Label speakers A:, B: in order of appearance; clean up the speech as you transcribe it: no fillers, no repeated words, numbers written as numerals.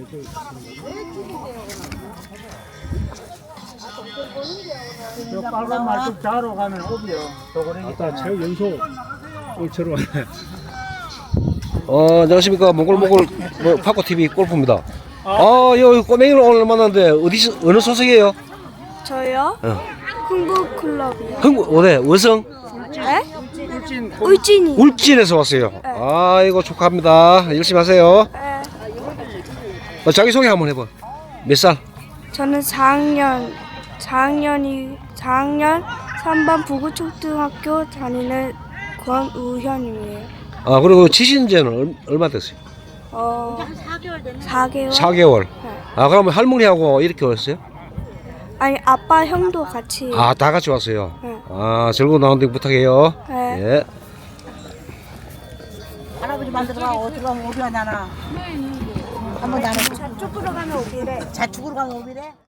A: 저 빨간 말뚝 자로 가면 오비요. 아까 체육 연소 올처럼 왔네.
B: 안녕하십니까. 몽골 파코 TV 골프입니다. 여기 꼬맹이를 오늘 만났는데 어느 소속이에요?
C: 저요? 흥국클럽이요.
B: 어디 어성?
C: 네? 울진이.
B: 울진에서 왔어요. 이거 축하합니다. 열심히 하세요.
C: 네.
B: 자기 소개 한번 해봐. 몇 살?
C: 저는 4학년 3반 부구초등학교 다니는 권우현이에요.
B: 그리고 치신 지는 얼마 됐어요?
C: 4개월.
B: 4개월.
C: 네.
B: 그러면 할머니하고 이렇게 왔어요?
C: 아니 아빠 형도 같이.
B: 다 같이 왔어요.
C: 네.
B: 즐거운 라운딩 부탁해요.
C: 네.
B: 예.
D: 할아버지 만들어가 어디로 가면 오비가 나나 한번 나는
C: 저쪽으로 가면 오기래.
D: 자축으로 가면 오비래.